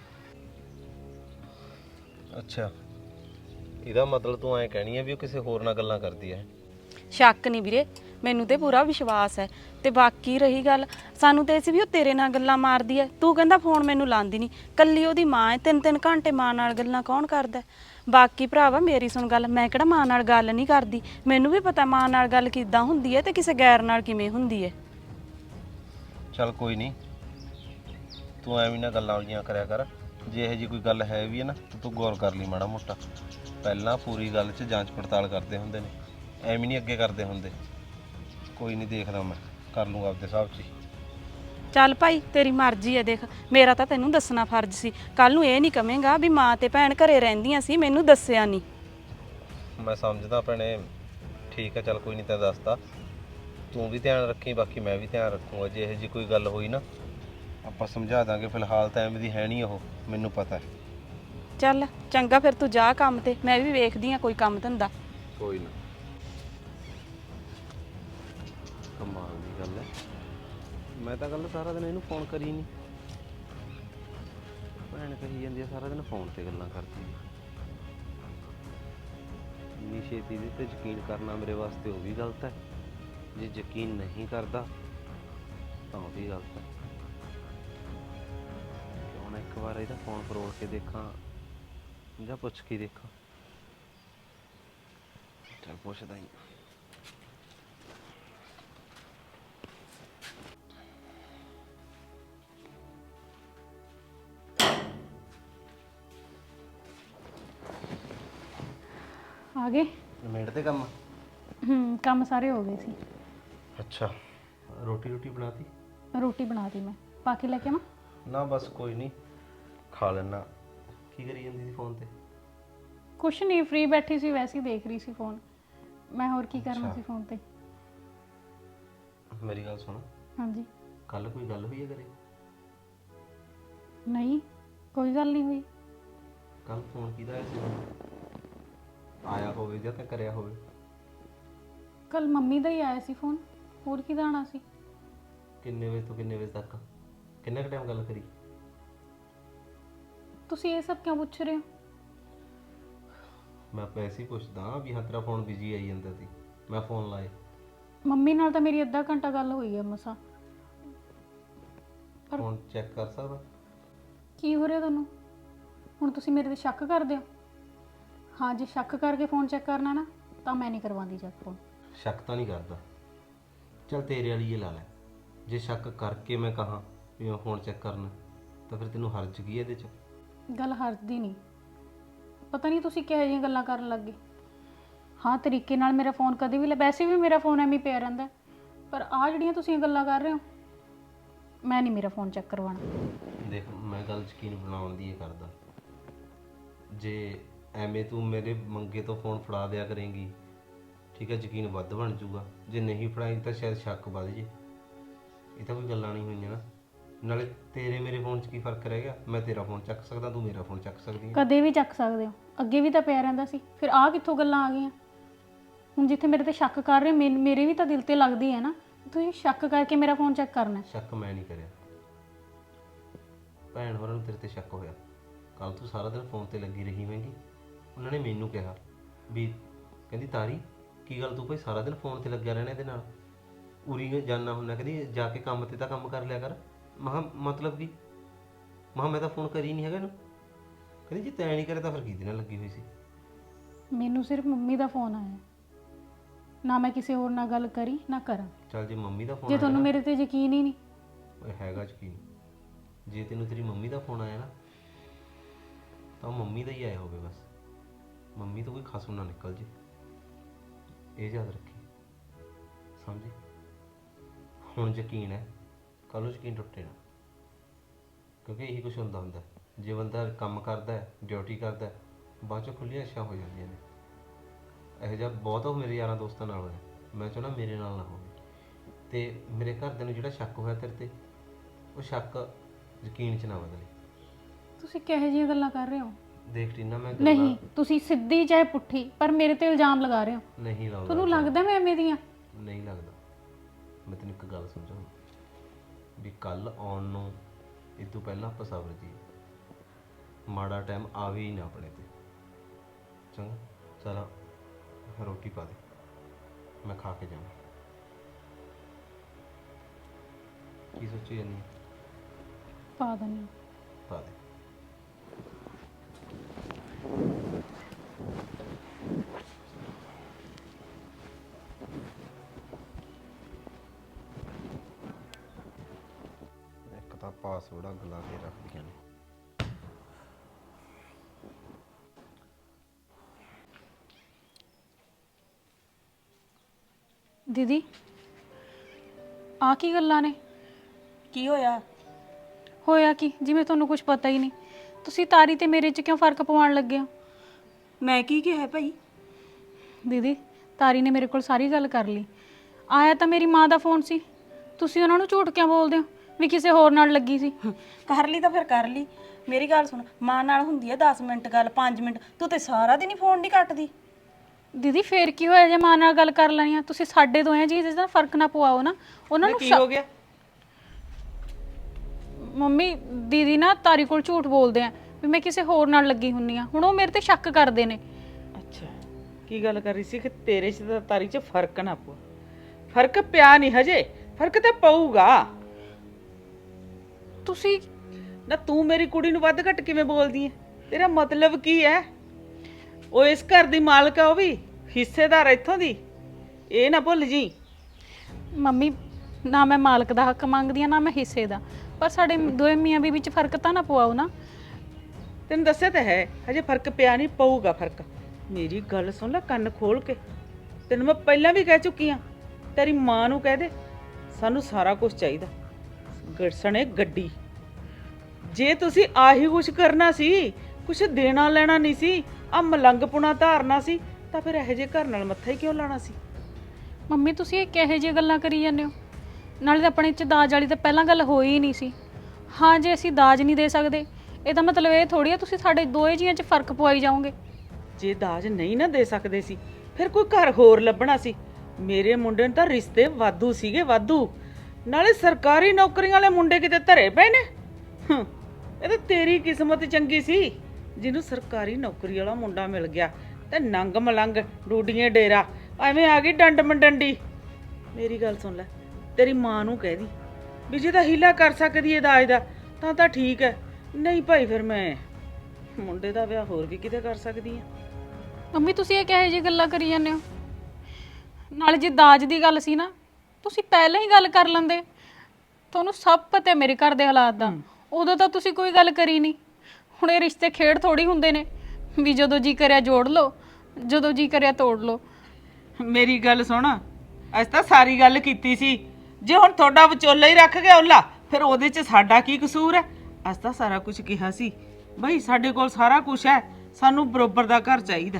ਅੱਛਾ, ਇਹਦਾ ਮਤਲਬ ਤੂੰ ਐਂ ਕਹਿਣੀ ਹੈ ਵੀ ਉਹ ਕਿਸੇ ਹੋਰ ਨਾਲ ਗੱਲਾਂ ਕਰਦੀ ਹੈ? ਸ਼ੱਕ ਨਹੀਂ ਵੀਰੇ, ਮੈਨੂੰ ਤੇ ਪੂਰਾ ਵਿਸ਼ਵਾਸ ਹੈ। ਤੇ ਬਾਕੀ ਰਹੀ ਗੱਲ, ਸਾਨੂੰ ਤੇ ਸੀ ਵੀ ਉਹ ਤੇਰੇ ਨਾਲ ਗੱਲਾਂ ਮਾਰਦੀ ਹੈ, ਤੂੰ ਕਹਿੰਦਾ ਫੋਨ ਮੈਨੂੰ ਲਾਉਂਦੀ ਨਹੀਂ, ਕੱਲੀ ਉਹਦੀ ਮਾਂ ਹੈ, ਤਿੰਨ ਤਿੰਨ ਘੰਟੇ ਮਾਂ ਨਾਲ ਗੱਲਾਂ ਕੌਣ ਕਰਦਾ? ਬਾਕੀ ਭਰਾਵਾ ਮੇਰੀ ਸੁਣ ਗੱਲ, ਮੈਂ ਕਿਹੜਾ ਮਾਂ ਨਾਲ ਗੱਲ ਨਹੀਂ ਕਰਦੀ, ਮੈਨੂੰ ਵੀ ਪਤਾ ਮਾਂ ਨਾਲ ਗੱਲ ਕਿੱਦਾਂ ਹੁੰਦੀ ਹੈ ਤੇ ਕਿਸੇ ਗੈਰ ਨਾਲ ਕਿਵੇਂ ਹੁੰਦੀ ਹੈ। ਚੱਲ ਕੋਈ ਨਹੀਂ, ਤੂੰ ਐਵੇਂ ਨਾ ਗੱਲਾਂ ਉਲੀਆਂ ਕਰਿਆ ਕਰ। ਜੇ ਇਹੋ ਜਿਹੀ ਕੋਈ ਗੱਲ ਹੈ ਵੀ ਹੈ ਨਾ ਤਾਂ ਤੂੰ ਗੌਰ ਕਰ ਲਈ ਮਾੜਾ ਮੋਟਾ। ਪਹਿਲਾਂ ਪੂਰੀ ਗੱਲ 'ਚ ਜਾਂਚ ਪੜਤਾਲ ਕਰਦੇ ਹੁੰਦੇ ਨੇ, ਐਵੇਂ ਨਹੀਂ ਅੱਗੇ ਕਰਦੇ ਹੁੰਦੇ। ਕੋਈ ਨਹੀਂ, ਦੇਖਦਾ ਮੈਂ ਕਰ ਲੂੰਗਾ ਆਪਦੇ ਹਿਸਾਬ 'ਚ ਹੀ। ਚੱਲ ਭਾਈ ਤੇਰੀ ਮਰਜ਼ੀ ਹੈ, ਦੇਖ ਮੇਰਾ ਤਾਂ ਤੈਨੂੰ ਦੱਸਣਾ ਫਰਜ਼ ਸੀ, ਕੱਲ ਨੂੰ ਇਹ ਨਹੀਂ ਕਵੇਂਗਾ ਵੀ ਮਾਂ ਤੇ ਭੈਣ ਘਰੇ ਰਹਿੰਦੀਆਂ ਸੀ ਮੈਨੂੰ ਦੱਸਿਆ ਨਹੀਂ। ਮੈਂ ਸਮਝਦਾ ਭੈਣੇ, ਠੀਕ ਹੈ, ਚੱਲ ਕੋਈ ਨਹੀਂ, ਤਾਂ ਦੱਸਦਾ। ਤੂੰ ਵੀ ਧਿਆਨ ਰੱਖੀ, ਬਾਕੀ ਮੈਂ ਵੀ ਧਿਆਨ ਰੱਖੂੰਗਾ। ਜੇ ਇਹੋ ਜਿਹੀ ਕੋਈ ਗੱਲ ਹੋਈ ਨਾ ਆਪਾਂ ਸਮਝਾ ਦਾਂਗੇ। ਫਿਲਹਾਲ ਤਾਂ ਐਵੇਂ ਦੀ ਹੈ ਨਹੀਂ ਉਹ, ਮੈਨੂੰ ਪਤਾ ਹੈ। ਚੱਲ ਚੰਗਾ ਫਿਰ ਤੂੰ ਜਾ ਕੰਮ ਤੇ, ਮੈਂ ਵੀ ਵੇਖਦੀ ਆ ਕੋਈ ਕੰਮ ਧੰਦਾ। ਕੋਈ ਨਾ, ਕਮਾਲ ਦੀ ਗੱਲ ਹੈ, ਮੈਂ ਤਾਂ ਕੱਲ ਸਾਰਾ ਦਿਨ ਇਹਨੂੰ ਫੋਨ ਕਰੀ ਨਹੀਂ। ਭੈਣ ਕਹੀ ਜਾਂਦੀ ਆ ਸਾਰਾ ਦਿਨ ਫੋਨ ਤੇ ਗੱਲਾਂ ਕਰਦੀ ਆ। ਇੰਨੀ ਛੇਤੀ ਦੇ ਤੇ ਯਕੀਨ ਕਰਨਾ ਮੇਰੇ ਵਾਸਤੇ ਉਹ ਵੀ ਗਲਤ ਹੈ, ਜੇ ਯਕੀਨ ਨਹੀਂ ਕਰਦਾ ਤਾਂ ਉਹ ਵੀ ਗਲਤ ਹੈ। ਕਿਉਂ ਨਾ ਇੱਕ ਵਾਰ ਇਹਦਾ ਫੋਨ ਫਰੋੜ ਕੇ ਦੇਖਾਂ ਜਾਂ ਪੁੱਛ ਕੇ ਦੇਖਾਂ। ਚੱਲ ਪੁੱਛਦਾ ਹੀ। ਆ ਗਏ? ਨਿਬੇੜ ਤੇ ਕੰਮ? ਹੂੰ ਕੰਮ ਸਾਰੇ ਹੋ ਗਏ ਸੀ। ਅੱਛਾ, ਰੋਟੀ ਰੋਟੀ ਬਣਾਤੀ? ਰੋਟੀ ਬਣਾਤੀ ਮੈਂ, ਪਾ ਕੇ ਲੈ ਕੇ ਆਵਾਂ? ਨਾ ਬਸ ਕੋਈ ਨਹੀਂ, ਖਾ ਲੈਣਾ। ਕੀ ਕਰੀ ਜਾਂਦੀ ਸੀ ਫੋਨ ਤੇ? ਕੁਛ ਨਹੀਂ, ਫ੍ਰੀ ਬੈਠੀ ਸੀ, ਵੈਸੇ ਹੀ ਦੇਖ ਰਹੀ ਸੀ ਫੋਨ। ਮੈਂ ਹੋਰ ਕੀ ਕਰਨਾ ਸੀ ਫੋਨ ਤੇ। ਮੇਰੀ ਗੱਲ ਸੁਣ। ਹਾਂਜੀ। ਕੱਲ ਕੋਈ ਗੱਲ ਹੋਈ ਹੈ ਘਰੇ? ਨਹੀਂ, ਕੋਈ ਗੱਲ ਨਹੀਂ ਹੋਈ। ਕੱਲ ਫੋਨ ਕਿਹਦਾ ਆਇਆ ਸੀ? ਆਇਆ ਹੋਵੇ ਜਾਂ ਤਾਂ ਕਰਿਆ ਹੋਵੇ। ਕੱਲ ਮੰਮੀ ਦਾ ਹੀ ਆਇਆ ਸੀ ਫੋਨ, ਹੋਰ ਕਿਹਦਾ ਆਣਾ ਸੀ? ਕਿੰਨੇ ਵਜੇ ਤੋਂ ਕਿੰਨੇ ਵਜੇ ਤੱਕ? ਕਿੰਨਾ ਕੁ ਟਾਈਮ ਗੱਲ ਕਰੀ? ਤੁਸੀਂ ਇਹ ਸਭ ਕਿਉਂ ਪੁੱਛ ਰਹੇ ਹੋ? ਮੈਂ ਪੈਸੇ ਪੁੱਛਦਾ ਵੀ ਹਾਂ, ਤੇਰਾ ਫੋਨ ਬਿਜੀ ਆਈ ਜਾਂਦਾ ਸੀ, ਮੈਂ ਫੋਨ ਲਾਏ। ਮੰਮੀ ਨਾਲ ਤਾਂ ਮੇਰੀ ਅੱਧਾ ਘੰਟਾ ਗੱਲ ਹੋਈ ਹੈ ਮਸਾ। ਫੋਨ ਚੈੱਕ ਕਰ ਸਕਦਾ? ਕੀ ਹੋ ਰਿਹਾ ਤੁਹਾਨੂੰ ਹੁਣ? ਤੁਸੀਂ ਮੇਰੇ ਤੇ ਸ਼ੱਕ ਕਰਦੇ ਹੋ? ਹਾਂ, ਜੇ ਸ਼ੱਕ ਕਰਕੇ ਫੋਨ ਚੈੱਕ ਕਰਨਾ ਨਾ ਤਾਂ ਮੈਂ ਨਹੀਂ ਕਰਵਾਉਂਦੀ ਚੈੱਕ ਫੋਨ। ਸ਼ੱਕ ਤਾਂ ਨਹੀਂ ਕਰਦਾ, ਚੱਲ ਤੇਰੇ ਵਾਲੀ ਇਹ ਲਾ ਲੈ। ਜੇ ਸ਼ੱਕ ਕਰਕੇ ਮੈਂ ਕਹਾਂ ਵੀ ਮੈਂ ਫੋਨ ਚੈੱਕ ਕਰਨਾ ਤਾਂ ਫਿਰ ਤੈਨੂੰ ਹਰਜ ਕੀ ਇਹਦੇ 'ਚ? ਗੱਲ ਹਰਦੀ ਨਹੀਂ, ਪਤਾ ਨਹੀਂ ਤੁਸੀਂ ਕਿਹੋ ਜਿਹੀਆਂ ਗੱਲਾਂ ਕਰਨ ਲੱਗ ਗਏ। ਹਾਂ, ਤਰੀਕੇ ਨਾਲ ਮੇਰਾ ਫੋਨ ਕਦੇ ਵੀ ਲੈ, ਵੈਸੇ ਵੀ ਮੇਰਾ ਫੋਨ ਐਵੇਂ ਪਿਆ ਰਹਿੰਦਾ, ਪਰ ਆਹ ਜਿਹੜੀਆਂ ਤੁਸੀਂ ਗੱਲਾਂ ਕਰ ਰਹੇ ਹੋ, ਮੈਂ ਨਹੀਂ ਮੇਰਾ ਫੋਨ ਚੈੱਕ ਕਰਵਾਉਣਾ। ਦੇਖ, ਮੈਂ ਗੱਲ ਯਕੀਨ ਬਣਾਉਣ ਦੀ ਇਹ ਕਰਦਾ। ਜੇ ਐਵੇਂ ਤੂੰ ਮੇਰੇ ਮੰਗੇ ਤੋਂ ਫੋਨ ਫੜਾ ਦਿਆ ਕਰੇਂਗੀ, ਠੀਕ ਹੈ, ਯਕੀਨ ਵੱਧ ਬਣ ਜਾਊਗਾ। ਜੇ ਨਹੀਂ ਫੜਾਈ ਤਾਂ ਸ਼ਾਇਦ ਸ਼ੱਕ ਵੱਧ ਜੇ। ਇਹ ਤਾਂ ਕੋਈ ਗੱਲਾਂ ਨਹੀਂ ਹੋਈਆਂ ਨਾ। ਨਾਲੇ ਤੇਰੇ ਮੇਰੇ ਫੋਨ 'ਚ ਕੀ ਫਰਕ ਰਹਿ ਗਿਆ? ਮੈਂ ਤੇਰਾ ਫੋਨ ਚੱਕ ਸਕਦਾ, ਤੂੰ ਮੇਰਾ ਫੋਨ ਚੱਕ ਸਕਦੀ ਹੈ। ਕਦੇ ਵੀ ਚੱਕ ਸਕਦੇ ਹੋ, ਅੱਗੇ ਵੀ ਤਾਂ ਪਿਆ ਰਹਿੰਦਾ ਸੀ, ਫਿਰ ਆਹ ਕਿੱਥੋਂ ਗੱਲਾਂ ਆ ਗਈਆਂ? ਹੁਣ ਜਿੱਥੇ ਮੇਰੇ ਤੇ ਸ਼ੱਕ ਕਰ ਰਹੇ ਹੋ, ਮੈਨ- ਮੇਰੇ ਵੀ ਤਾਂ ਦਿਲ ਤੇ ਲੱਗਦੀ ਹੈ ਨਾ। ਤੁਸੀਂ ਸ਼ੱਕ ਕਰਕੇ ਮੇਰਾ ਫੋਨ ਚੈੱਕ ਕਰਨਾ। ਸ਼ੱਕ ਮੈਂ ਨਹੀਂ ਕਰਿਆ, ਭੈਣ ਹੋਰਾਂ ਨੂੰ ਤੇਰੇ ਤੇ ਸ਼ੱਕ ਹੋਇਆ। ਕੱਲ ਤੂੰ ਸਾਰਾ ਦਿਨ ਫੋਨ ਤੇ ਲੱਗੀ ਰਹੀ ਹੋਵੇਂਗੀ, ਉਹਨਾਂ ਨੇ ਮੈਨੂੰ ਕਿਹਾ ਵੀ ਕਹਿੰਦੀ ਤਾਰੀ ਕੀ ਗੱਲ ਤੂੰ ਭਾਈ ਸਾਰਾ ਦਿਨ ਫੋਨ ਤੇ ਲੱਗਿਆ ਰਹਿਣਾ ਇਹਦੇ ਨਾਲ, ਉਰੀ ਜਾਣਾ ਹੁੰਦਾ, ਕਹਿੰਦੀ ਜਾ ਕੇ ਕੰਮ ਤੇ ਤਾਂ ਕੰਮ ਕਰ ਲਿਆ ਕਰ। ਮਹਾ ਮਤਲਬ ਕੀ? ਮਹਾ ਮੈਂ ਤਾਂ ਫੋਨ ਕਰੀ ਨਹੀਂ ਹੈਗਾ ਇਹਨੂੰ। ਕਹਿੰਦੀ ਜੇ ਤੈਂ ਨਹੀਂ ਕਰਿਆ ਤਾਂ ਫਿਰ ਕਿਹਦੇ ਨਾਲ ਲੱਗੀ ਹੋਈ ਸੀ? ਮੈਨੂੰ ਸਿਰਫ ਮੰਮੀ ਦਾ ਫੋਨ ਆਇਆ, ਨਾ ਮੈਂ ਕਿਸੇ ਹੋਰ ਨਾਲ ਗੱਲ ਕਰੀ ਨਾ ਕਰਾਂ। ਚੱਲ ਜੇ ਮੰਮੀ ਦਾ ਫੋਨ ਜੇ ਤੁਹਾਨੂੰ ਮੇਰੇ ਤੇ ਯਕੀਨ ਹੀ ਨਹੀਂ। ਓਏ ਹੈਗਾ ਯਕੀਨ। ਜੇ ਤੈਨੂੰ ਤੇਰੀ ਮੰਮੀ ਦਾ ਫੋਨ ਆਇਆ ਨਾ ਤਾਂ ਉਹ ਮੰਮੀ ਦਾ ਹੀ ਆਇਆ ਹੋਵੇ ਬਸ। ਮੰਮੀ ਤੋਂ ਕੋਈ ਖਸਮ ਨਾ ਨਿਕਲ ਜੇ, ਇਹ ਯਾਦ ਰੱਖੀ, ਸਮਝੀ? ਹੁਣ ਯਕੀਨ ਹੈ, ਕੱਲ੍ਹ ਨੂੰ ਯਕੀਨ ਟੁੱਟੇ ਨਾ, ਕਿਉਂਕਿ ਇਹੀ ਕੁਛ ਹੁੰਦਾ ਹੁੰਦਾ। ਜੇ ਬੰਦਾ ਕੰਮ ਕਰਦਾ ਹੈ, ਡਿਊਟੀ ਕਰਦਾ ਹੈ, ਬਾਅਦ 'ਚੋਂ ਖੁੱਲ੍ਹੀਆਂ ਅੱਛਾਂ ਹੋ ਜਾਂਦੀਆਂ ਨੇ। ਇਹੋ ਜਿਹਾ ਬਹੁਤ ਮੇਰੇ ਯਾਰਾਂ ਦੋਸਤਾਂ ਨਾਲ ਹੋਇਆ, ਮੈਂ ਚਾਹੁੰਦਾ ਮੇਰੇ ਨਾਲ ਨਾ ਹੋਵੇ। ਅਤੇ ਮੇਰੇ ਘਰਦਿਆਂ ਨੂੰ ਜਿਹੜਾ ਸ਼ੱਕ ਹੋਇਆ ਤੇਰੇ 'ਤੇ, ਉਹ ਸ਼ੱਕ ਯਕੀਨ 'ਚ ਨਾ ਬਦਲੇ। ਤੁਸੀਂ ਕਿਹੋ ਜਿਹੀਆਂ ਗੱਲਾਂ ਕਰ ਰਹੇ ਹੋ? ਦੇਖ ਟੀਨਾ, ਮੈਂ ਨਹੀਂ, ਤੁਸੀਂ ਸਿੱਧੀ ਚਾਹੇ ਪੁੱਠੀ ਪਰ ਮੇਰੇ ਤੇ ਇਲਜ਼ਾਮ ਲਗਾ ਰਹੇ ਹੋ। ਨਹੀਂ ਲਾਉਂਦਾ। ਤੁਹਾਨੂੰ ਲੱਗਦਾ ਮੈਂ ਐਵੇਂ ਦੀਆਂ? ਨਹੀਂ ਲੱਗਦਾ। ਮੈਂ ਤੈਨੂੰ ਇੱਕ ਗੱਲ ਸਮਝਾਉਂ ਵੀ ਕੱਲ ਆਉਣ ਨੂੰ ਇਹ ਤੋਂ ਪਹਿਲਾਂ ਆਪਾਂ ਸਬਰ ਜੀ, ਮਾੜਾ ਟਾਈਮ ਆਵੇ ਹੀ ਨਾ ਆਪਣੇ ਤੇ। ਚੰਗਾ, ਚਲ ਰੋਟੀ ਪਾ ਦੇ, ਮੈਂ ਖਾ ਕੇ ਜਾਵਾਂ। ਕੀ ਸੋਚੀ ਜਾਂਦੀ ਹੈ? ਪਾ ਦਿੰਦੀ। ਪਾ ਦੇ। ਇੱਕ ਤਾਂ ਪਾਸਵਰਡ ਅੱਗ ਲਾ ਕੇ ਰੱਖਦੀਆਂ ਨੇ। ਦੀਦੀ, ਆ ਕੀ ਗੱਲਾਂ ਨੇ? ਕੀ ਹੋਇਆ? ਹੋਇਆ ਕੀ? ਜਿਵੇਂ ਤੁਹਾਨੂੰ ਕੁਝ ਪਤਾ ਹੀ ਨਹੀਂ। ਤੁਸੀਂ ਤਾਰੀ ਤੇ ਮੇਰੇ 'ਚ ਕਿਉਂ ਫਰਕ ਪਵਾਉਣ ਲੱਗੇ ਹੋ? ਮੈਂ ਕੀ ਕਿਹਾ ਭਾਈ? ਦੀਦੀ, ਤਾਰੀ ਨੇ ਮੇਰੇ ਕੋਲ ਸਾਰੀ ਗੱਲ ਕਰ ਲਈ। ਆਇਆ ਤਾਂ ਮੇਰੀ ਮਾਂ ਦਾ ਫੋਨ ਸੀ, ਤੁਸੀਂ ਉਹਨਾਂ ਨੂੰ ਝੂਠ ਕਿਉਂ ਬੋਲਦੇ ਹੋ ਵੀ ਕਿਸੇ ਹੋਰ ਨਾਲ ਲੱਗੀ ਸੀ? ਕਰ ਲਈ ਤਾਂ ਫਿਰ ਕਰ ਲਈ। ਮੇਰੀ ਗੱਲ ਸੁਣ, ਮਾਂ ਨਾਲ ਹੁੰਦੀ ਹੈ ਦਸ ਮਿੰਟ ਗੱਲ, ਪੰਜ ਮਿੰਟ, ਤੂੰ ਤੇ ਸਾਰਾ ਦਿਨ ਹੀ ਫੋਨ ਨਹੀਂ ਕੱਟਦੀ। ਦੀਦੀ ਫੇਰ ਕੀ ਹੋਇਆ ਜੇ ਮਾਂ ਨਾਲ ਗੱਲ ਕਰ ਲੈਣੀ ਆ? ਤੁਸੀਂ ਸਾਡੇ ਦੋਹਾਂ ਜੀ ਦਾ ਫਰਕ ਨਾ ਪਵਾਓ ਨਾ। ਉਹਨਾਂ ਨੂੰ ਕੀ ਹੋ ਗਿਆ? ਮੰਮੀ ਦੀਦੀ ਨਾ ਤਾਰੀ ਕੋਲ ਝੂਠ ਬੋਲਦੇ ਆ ਵੀ ਮੈਂ ਕਿਸੇ ਹੋਰ ਨਾਲ ਲੱਗੀ ਹੁੰਨੀ ਆ। ਹੁਣ ਉਹ ਮੇਰੇ ਤੇ ਸ਼ੱਕ ਕਰਦੇ ਨੇ। ਅੱਛਾ, ਕੀ ਗੱਲ ਕਰ ਰਹੀ ਸੀ ਕਿ ਤੇਰੇ 'ਚ ਤਾਂ ਤਾਰੀ 'ਚ ਫਰਕ ਨਾ ਪਊ? ਫਰਕ ਪਿਆ ਨਹੀਂ ਹਜੇ, ਫਰਕ ਤਾਂ ਪਊਗਾ। ਤੁਸੀਂ ਨਾ ਤੂੰ ਮੇਰੀ ਕੁੜੀ ਨੂੰ ਵੱਧ ਘੱਟ ਕਿਵੇਂ ਬੋਲਦੀ ਐ? ਤੇਰਾ ਮਤਲਬ ਕੀ ਹੈ? ਉਹ ਇਸ ਘਰ ਦੀ ਮਾਲਕ ਆ, ਉਹ ਵੀ ਹਿੱਸੇਦਾਰ ਇੱਥੋਂ ਦੀ, ਇਹ ਨਾ ਭੁੱਲ ਜੀ। ਮੰਮੀ ਨਾ ਮੈਂ ਮਾਲਕ ਦਾ ਹੱਕ ਮੰਗਦੀ ਆ ਨਾ ਮੈਂ ਹਿੱਸੇ ਦਾ, ਪਰ ਸਾਡੇ ਦੋਵੇਂ ਮੀਆਂ ਬੀਵੀ ਵਿੱਚ ਫਰਕ ਤਾਂ ਨਾ ਪਵਾਓ ਨਾ। ਤੈਨੂੰ ਦੱਸਿਆ ਤਾਂ ਹੈ ਹਜੇ ਫਰਕ ਪਿਆ ਨਹੀਂ, ਪਊਗਾ ਫਰਕ। ਮੇਰੀ ਗੱਲ ਸੁਣ ਲੈ ਕੰਨ ਖੋਲ ਕੇ, ਤੈਨੂੰ ਮੈਂ ਪਹਿਲਾਂ ਵੀ ਕਹਿ ਚੁੱਕੀ ਆ। ਤੇਰੀ ਮਾਂ ਨੂੰ ਕਹਿ ਦੇ ਸਾਨੂੰ ਸਾਰਾ ਕੁਝ ਚਾਹੀਦਾ, ਗੜਸਣੇ ਗੱਡੀ। ਜੇ ਤੁਸੀਂ ਆਹੀ ਕੁਛ ਕਰਨਾ ਸੀ, ਕੁਛ ਦੇਣਾ ਲੈਣਾ ਨਹੀਂ ਸੀ, ਆ ਮਲੰਗਪੁਣਾ ਧਾਰਨਾ ਸੀ, ਤਾਂ ਫਿਰ ਇਹੋ ਜਿਹੇ ਘਰ ਨਾਲ ਮੱਥਾ ਹੀ ਕਿਉਂ ਲਾਣਾ ਸੀ? ਮੰਮੀ ਤੁਸੀਂ ਇਹ ਕਿਹੋ ਜਿਹੀਆਂ ਗੱਲਾਂ ਕਰੀ ਜਾਂਦੇ ਹੋ? ਨਾਲੇ ਤਾਂ ਆਪਣੇ ਚ ਦਾਜ ਵਾਲੀ ਤਾਂ ਪਹਿਲਾਂ ਗੱਲ ਹੋਈ ਹੀ ਨਹੀਂ ਸੀ। ਹਾਂ, ਜੇ ਅਸੀਂ ਦਾਜ ਨਹੀਂ ਦੇ ਸਕਦੇ ਇਹਦਾ ਮਤਲਬ ਇਹ ਥੋੜੀ ਆ ਤੁਸੀਂ ਸਾਡੇ ਦੋਏ ਜੀਆਂ ਚ ਫਰਕ ਪਵਾਈ ਜਾਓਗੇ। ਜੇ ਦਾਜ ਨਹੀਂ ਨਾ ਦੇ ਸਕਦੇ ਸੀ, ਫਿਰ ਕੋਈ ਘਰ ਹੋਰ ਲੱਭਣਾ ਸੀ। ਮੇਰੇ ਮੁੰਡੇ ਨੂੰ ਤਾਂ ਰਿਸ਼ਤੇ ਵਾਧੂ ਸੀਗੇ, ਵਾਧੂ। ਨਾਲੇ ਸਰਕਾਰੀ ਨੌਕਰੀਆਂ ਵਾਲੇ ਮੁੰਡੇ ਕਿਤੇ ਧਰੇ ਪਏ ਨੇ। ਹੂੰ, ਇਹ ਤਾਂ ਤੇਰੀ ਕਿਸਮਤ ਚੰਗੀ ਸੀ ਜਿਹਨੂੰ ਸਰਕਾਰੀ ਨੌਕਰੀ ਵਾਲਾ ਮੁੰਡਾ ਮਿਲ ਗਿਆ, ਤੇ ਨੰਗ ਮਲੰਗ ਡੂਡੀਆਂ ਡੇਰਾ ਐਵੇਂ ਆ ਗਈ ਡੰਡ ਮੰਡੰਡੀ। ਮੇਰੀ ਗੱਲ ਸੁਣ ਲੈ, ਤੇਰੀ ਮਾਂ ਨੂੰ ਕਹਿ ਦੀ ਵੀ ਜੇ ਤਾਂ ਹੀਲਾ ਕਰ ਸਕਦੀ ਏ ਦਾਜ ਦਾ ਤਾਂ ਤਾਂ ਠੀਕ ਹੈ, ਨਹੀਂ ਭਾਈ ਫਿਰ ਮੈਂ ਮੁੰਡੇ ਦਾ ਵਿਆਹ ਹੋਰ ਵੀ ਕਿਤੇ ਕਰ ਸਕਦੀ ਆ। ਮੰਮੀ ਤੁਸੀਂ ਇਹ ਕਿਹੋ ਜਿਹੀ ਗੱਲਾਂ ਕਰੀ ਜਾਂਦੇ ਹੋ? ਨਾਲੇ ਜੇ ਦਾਜ ਦੀ ਗੱਲ ਸੀ ਨਾ, ਤੁਸੀਂ ਪਹਿਲਾਂ ਹੀ ਗੱਲ ਕਰ ਲੈਂਦੇ। ਤੁਹਾਨੂੰ ਸਭ ਪਤਾ ਮੇਰੇ ਘਰ ਦੇ ਹਾਲਾਤ ਦਾ, ਉਦੋਂ ਤਾਂ ਤੁਸੀਂ ਕੋਈ ਗੱਲ ਕਰੀ ਨਹੀਂ। ਹੁਣ ਇਹ ਰਿਸ਼ਤੇ ਖੇਡ ਥੋੜੀ ਹੁੰਦੇ ਨੇ ਵੀ ਜਦੋਂ ਜੀ ਕਰਿਆ ਜੋੜ ਲਓ, ਜਦੋਂ ਜੀ ਕਰਿਆ ਤੋੜ ਲਓ। ਮੇਰੀ ਗੱਲ ਸੁਣ, ਅੱਜ ਤਾਂ ਸਾਰੀ ਗੱਲ ਕੀਤੀ ਸੀ। ਜੇ ਹੁਣ ਤੁਹਾਡਾ ਵਿਚੋਲਾ ਹੀ ਰੱਖ ਗਿਆ ਓਲਾ, ਫਿਰ ਉਹਦੇ 'ਚ ਸਾਡਾ ਕੀ ਕਸੂਰ ਹੈ? ਅੱਜ ਤਾਂ ਸਾਰਾ ਕੁਝ ਕਿਹਾ ਸੀ ਬਈ ਸਾਡੇ ਕੋਲ ਸਾਰਾ ਕੁਝ ਹੈ, ਸਾਨੂੰ ਬਰੋਬਰ ਦਾ ਘਰ ਚਾਹੀਦਾ।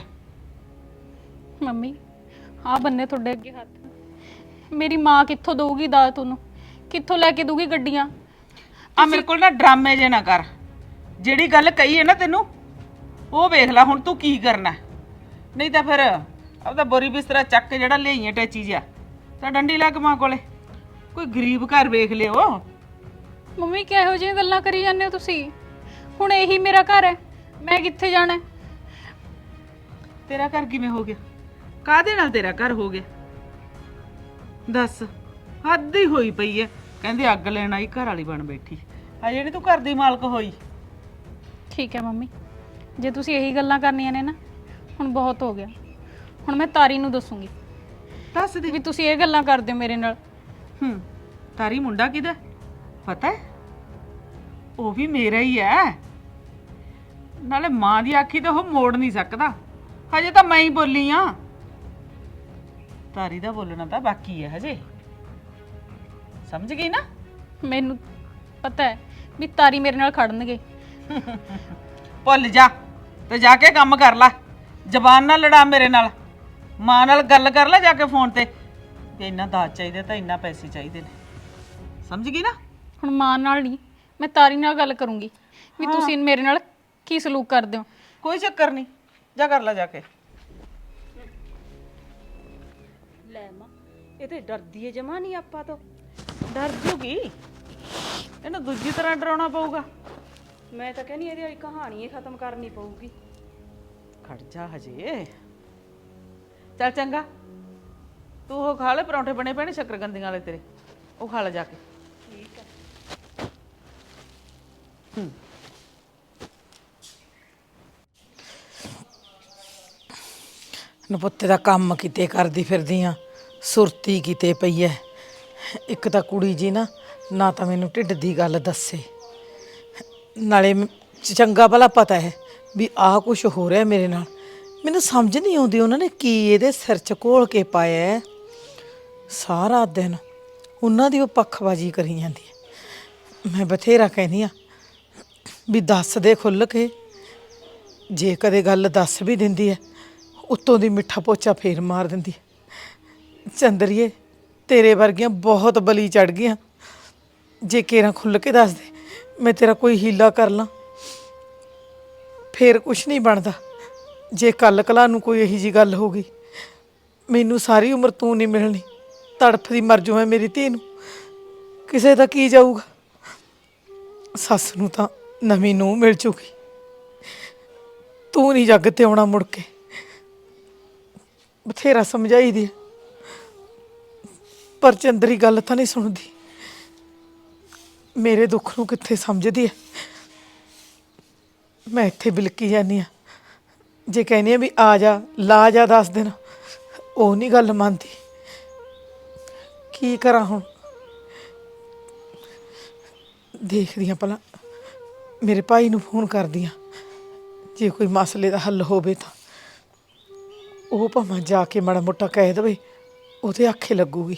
ਮੰਮੀ ਆਹ ਬੰਨੇ ਤੁਹਾਡੇ ਅੱਗੇ ਹੱਥ, ਮੇਰੀ ਮਾਂ ਕਿੱਥੋਂ ਦਊਗੀ ਦਾਜ ਤੁਹਾਨੂੰ? ਕਿੱਥੋਂ ਲੈ ਕੇ ਦਊਗੀ ਗੱਡੀਆਂ? ਆ ਮੇਰੇ ਕੋਲ ਨਾ ਡਰਾਮੇ ਜੇ ਨਾ ਕਰ। ਜਿਹੜੀ ਗੱਲ ਕਹੀ ਹੈ ਨਾ ਤੈਨੂੰ, ਉਹ ਵੇਖ ਲੈ ਹੁਣ ਤੂੰ ਕੀ ਕਰਨਾ। ਨਹੀਂ ਤਾਂ ਫਿਰ ਆਪਦਾ ਬੋਰੀ ਬਿਸਤਰਾ ਚੱਕ ਕੇ ਜਿਹੜਾ ਲਿਆਈਆਂ ਟੈਚੀ ਜਿਹਾ ਤਾਂ ਡੰਡੀ ਲੱਗ ਮਾਂ ਕੋਲੇ। ਕੋਈ ਗਰੀਬ ਘਰ ਵੇਖ ਲਿਓ। ਮੰਮੀ ਕਿਹੋ ਜਿਹੀਆਂ ਗੱਲਾਂ ਕਰੀ ਜਾਂਦੇ ਹੋ ਤੁਸੀਂ? ਹੁਣ ਇਹੀ ਮੇਰਾ ਘਰ ਹੈ, ਮੈਂ ਕਿੱਥੇ ਜਾਣਾ? ਤੇਰਾ ਘਰ ਕਿਵੇਂ ਹੋ ਗਿਆ? ਕਾਹਦੇ ਨਾਲ ਤੇਰਾ ਘਰ ਹੋ ਗਿਆ? ਦੱਸ, ਹੱਦ ਹੀ ਹੋਈ ਪਈ ਐ। ਕਹਿੰਦੇ ਅੱਗ ਲੈਣ ਆਈ ਘਰ ਵਾਲੀ ਬਣ ਬੈਠੀ, ਆ ਜਿਹੜੀ ਤੂੰ ਘਰ ਦੀ ਮਾਲਕ ਹੋਈ। ਠੀਕ ਹੈ ਮੰਮੀ, ਜੇ ਤੁਸੀਂ ਇਹੀ ਗੱਲਾਂ ਕਰਨੀਆਂ ਨੇ ਨਾ, ਹੁਣ ਬਹੁਤ ਹੋ ਗਿਆ। ਹੁਣ ਮੈਂ ਤਾਰੀ ਨੂੰ ਦੱਸੂਗੀ ਦੱਸ ਦੇ ਵੀ ਤੁਸੀਂ ਇਹ ਗੱਲਾਂ ਕਰਦੇ ਹੋ ਮੇਰੇ ਨਾਲ। ਹੂੰ, ਤਾਰੀ ਮੁੰਡਾ ਕਿਹਦਾ ਪਤਾ ਹੈ? ਉਹ ਵੀ ਮੇਰਾ ਹੀ ਹੈ। ਨਾਲੇ ਮਾਂ ਦੀ ਆਖੀ ਤੇ ਉਹ ਮੋੜ ਨਹੀਂ ਸਕਦਾ। ਹਜੇ ਤਾਂ ਮੈਂ ਹੀ ਬੋਲੀ ਆ, ਤਾਰੀ ਦਾ ਬੋਲਣਾ ਤਾਂ ਬਾਕੀ ਹੈ ਹਜੇ। ਸਮਝ ਗਈ ਨਾ? ਮੈਨੂੰ ਪਤਾ ਹੈ ਵੀ ਤਾਰੀ ਮੇਰੇ ਨਾਲ ਖੜਨਗੇ। ਭੁੱਲ ਜਾ ਤੇ ਜਾ ਕੇ ਕੰਮ ਕਰ ਲੈ। ਜ਼ਬਾਨ ਨਾਲ ਲੜਾ ਮੇਰੇ ਨਾਲ, ਮਾਂ ਨਾਲ ਗੱਲ ਕਰ ਲੈ ਜਾ ਕੇ ਫੋਨ ਤੇ ਕਿ ਇੰਨਾ ਦਾਜ ਚਾਹੀਦਾ ਤਾਂ ਇੰਨਾ ਪੈਸੇ ਚਾਹੀਦੇ ਨੇ। ਸਮਝ ਗਈ ਨਾ? ਹੁਣ ਮਾਂ ਨਾਲ ਨਹੀਂ, ਮੈਂ ਤਾਰੀ ਨਾਲ ਗੱਲ ਕਰੂੰਗੀ ਵੀ ਤੁਸੀਂ ਮੇਰੇ ਨਾਲ ਕੀ ਸਲੂਕ ਕਰਦੇ ਹੋ। ਕੋਈ ਚੱਕਰ ਨਹੀਂ, ਜਾ ਕਰ ਲੈ ਜਾ ਕੇ। ਲੈ ਮਾਂ, ਇਹ ਤੇ ਡਰਦੀ ਏ ਜਮਾ ਨਹੀਂ ਆਪਾਂ ਤੋਂ। ਡਰ ਜੂਗੀ, ਇਹਨੂੰ ਦੂਜੀ ਤਰ੍ਹਾਂ ਡਰਾਉਣਾ ਪਊਗਾ। ਮੈਂ ਤਾਂ ਕਹਿੰਦੀ ਇਹਦੀ ਵਾਲੀ ਕਹਾਣੀ ਹੀ ਖਤਮ ਕਰਨੀ ਪਊਗੀ। ਖੜ ਜਾ ਹਜੇ। ਚੱਲ ਚੰਗਾ, ਤੂੰ ਉਹ ਖਾ ਲੈ, ਪਰੌਂਠੇ ਬਣੇ ਪਏ ਨੇ ਸ਼ੱਕਰਗੰਦੀਆਂ ਵਾਲੇ ਤੇਰੇ, ਉਹ ਖਾ ਲੈ ਜਾ ਕੇ। ਠੀਕ ਹੈ। ਨਪੁੱਤੇ ਦਾ ਕੰਮ ਕਿਤੇ ਕਰਦੀ ਫਿਰਦੀ ਆ, ਸੁਰਤੀ ਕਿਤੇ ਪਈ ਐ। ਇੱਕ ਤਾਂ ਕੁੜੀ ਜੀ ਨਾ ਨਾ ਤਾਂ ਮੈਨੂੰ ਢਿੱਡ ਦੀ ਗੱਲ ਦੱਸੇ, ਨਾਲੇ ਮ- ਚੰਗਾ ਭਲਾ ਪਤਾ ਹੈ ਵੀ ਆਹ ਕੁਛ ਹੋ ਰਿਹਾ ਮੇਰੇ ਨਾਲ। ਮੈਨੂੰ ਸਮਝ ਨਹੀਂ ਆਉਂਦੀ ਉਹਨਾਂ ਨੇ ਕੀ ਇਹਦੇ ਸਿਰ 'ਚ ਘੋਲ ਕੇ ਪਾਇਆ ਹੈ। ਸਾਰਾ ਦਿਨ ਉਹਨਾਂ ਦੀ ਉਹ ਪੱਖਬਾਜ਼ੀ ਕਰੀ ਜਾਂਦੀ ਹੈ। ਮੈਂ ਬਥੇਰਾ ਕਹਿੰਦੀ ਆ ਵੀ ਦੱਸ ਦੇ ਖੁੱਲ੍ਹ ਕੇ, ਜੇ ਕਦੇ ਗੱਲ ਦੱਸ ਵੀ ਦਿੰਦੀ ਹੈ ਉੱਤੋਂ ਦੀ ਮਿੱਠਾ ਪੋਚਾ ਫੇਰ ਮਾਰ ਦਿੰਦੀ ਹੈ। ਚੰਦਰੀਏ, ਤੇਰੇ ਵਰਗੀਆਂ ਬਹੁਤ ਬਲੀ ਚੜ ਗਈਆਂ। ਜੇ ਕੇਰਾਂ ਖੁੱਲ੍ਹ ਕੇ ਦੱਸ ਦੇ, ਮੈਂ ਤੇਰਾ ਕੋਈ ਹੀਲਾ ਕਰ ਲਾਂ, ਫੇਰ ਕੁਛ ਨਹੀਂ ਬਣਦਾ। ਜੇ ਕੱਲ ਕਲਾ ਨੂੰ ਕੋਈ ਇਹੀ ਜੀ ਗੱਲ ਹੋ ਗਈ, ਮੈਨੂੰ ਸਾਰੀ ਉਮਰ ਤੂੰ ਨਹੀਂ ਮਿਲਣੀ, ਤੜਫਦੀ ਮਰ ਜੂ ਮੈਂ ਮੇਰੀ ਧੀ ਨੂੰ। ਕਿਸੇ ਦਾ ਕੀ ਜਾਊਗਾ? ਸੱਸ ਨੂੰ ਤਾਂ ਨਵੀਂ ਨੂੰਹ ਮਿਲ ਚੁੱਕੀ, ਤੂੰ ਨਹੀਂ ਜੱਗ ਤੇ ਆਉਣਾ ਮੁੜ ਕੇ। ਬਥੇਰਾ ਸਮਝਾਈ ਦੀ ਪਰ ਚੰਦਰੀ ਗੱਲ ਤਾਂ ਨਹੀਂ ਸੁਣਦੀ, ਮੇਰੇ ਦੁੱਖ ਨੂੰ ਕਿੱਥੇ ਸਮਝਦੀ ਹੈ। ਮੈਂ ਇੱਥੇ ਬਿਲਕੀ ਜਾਂਦੀ ਆ, ਜੇ ਕਹਿੰਦੀ ਆ ਵੀ ਆ ਜਾ ਲਾ ਜਾ ਦਸ ਦਿਨ, ਉਹ ਨਹੀਂ ਗੱਲ ਮੰਨਦੀ। ਕੀ ਕਰਾਂ ਹੁਣ? ਦੇਖਦੀ ਆ ਭਲਾ ਮੇਰੇ ਭਾਈ ਨੂੰ ਫੋਨ ਕਰਦੀ ਆ, ਜੇ ਕੋਈ ਮਸਲੇ ਦਾ ਹੱਲ ਹੋਵੇ ਤਾਂ ਉਹ ਭਾਵੇਂ ਜਾ ਕੇ ਮਾੜਾ ਮੋਟਾ ਕਹਿ ਦੇਵੇ, ਉਹਦੇ ਆਖੇ ਲੱਗੂਗੀ।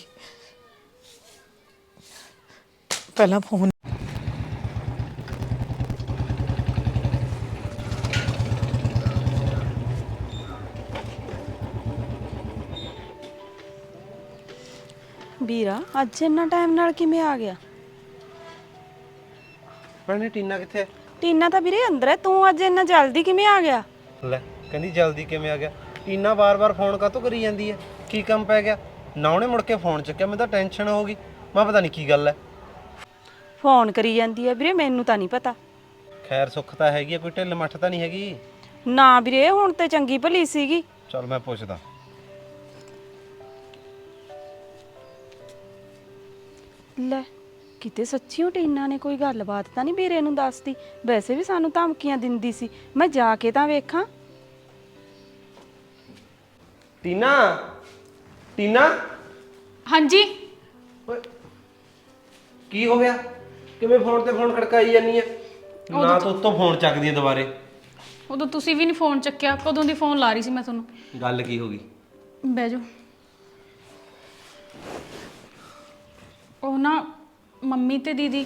ਪਹਿਲਾਂ ਫੋਨ ਵੀਰਾ ਅੱਜ ਇੰਨਾ ਟਾਈਮ ਨਾਲ ਕਿਵੇਂ ਆ ਗਿਆ? ਭੈਣੇ ਟੀਨਾ ਕਿੱਥੇ ਹੈ? ਟੀਨਾ ਤਾਂ ਵੀਰੇ ਅੰਦਰ ਹੈ, ਤੂੰ ਅੱਜ ਇੰਨਾ ਜਲਦੀ ਕਿਵੇਂ ਆ ਗਿਆ? ਲੈ ਕਹਿੰਦੀ ਜਲਦੀ ਕਿਵੇਂ ਆ ਗਿਆ। ਟੀਨਾ ਵਾਰ-ਵਾਰ ਫੋਨ ਕਾਹਤੋਂ ਕਰੀ ਜਾਂਦੀ ਹੈ? ਕੀ ਕੰਮ ਪੈ ਗਿਆ? ਨਾ ਉਹਨੇ ਮੁੜ ਕੇ ਫੋਨ ਚੱਕਿਆ, ਮੈਨੂੰ ਤਾਂ ਟੈਨਸ਼ਨ ਹੋ ਗਈ। ਮੈਂ ਪਤਾ ਨਹੀਂ ਕੀ ਗੱਲ ਹੈ। ਫੋਨ ਕਰੀ ਜਾਂਦੀ ਹੈ ਵੀਰੇ, ਮੈਨੂੰ ਤਾਂ ਨਹੀਂ ਪਤਾ। ਖੈਰ ਸੁੱਖ ਤਾਂ ਹੈਗੀ ਆ, ਕੋਈ ਢਿੱਲ ਮੱਠ ਤਾਂ ਨਹੀਂ ਹੈਗੀ? ਨਾ ਵੀਰੇ ਹੁਣ ਤੇ ਚੰਗੀ ਭਲੀ ਸੀਗੀ। ਚਲ ਮੈਂ ਪੁੱਛਦਾ। ਲੈ ਕਿਤੇ ਸੱਚੀਓ ਟੀਨਾ ਨੇ ਕੋਈ ਗੱਲਬਾਤ ਤਾਂ ਨਹੀਂ ਵੀਰੇ ਨੂੰ ਦੱਸਦੀ? ਵੈਸੇ ਵੀ ਸਾਨੂੰ ਧਮਕੀਆਂ ਦਿੰਦੀ ਸੀ, ਮੈਂ ਜਾ ਕੇ ਤਾਂ ਵੇਖਾਂ। ਟੀਨਾ, ਟੀਨਾ ਹਾਂਜੀ ਓਏ ਕੀ ਹੋ ਗਿਆ? ਕਿਵੇਂ ਫੋਨ ਤੇ ਫੋਨ ਖੜਕਾਈ ਜਾਨੀ ਆ? ਨਾ ਤੂੰ ਉੱਤੋਂ ਫੋਨ ਚੱਕਦੀ ਆ ਦੁਬਾਰੇ। ਉਦੋਂ ਤੁਸੀਂ ਵੀ ਨਹੀਂ ਫੋਨ ਚੱਕਿਆ, ਕਦੋਂ ਦੀ ਫੋਨ ਲਾ ਰਹੀ ਸੀ ਮੈਂ ਤੁਹਾਨੂੰ। ਗੱਲ ਕੀ ਹੋ ਗਈ? ਬਹਿ ਜਾਓ। ਉਹ ਨਾ ਮੰਮੀ ਤੇ ਦੀਦੀ।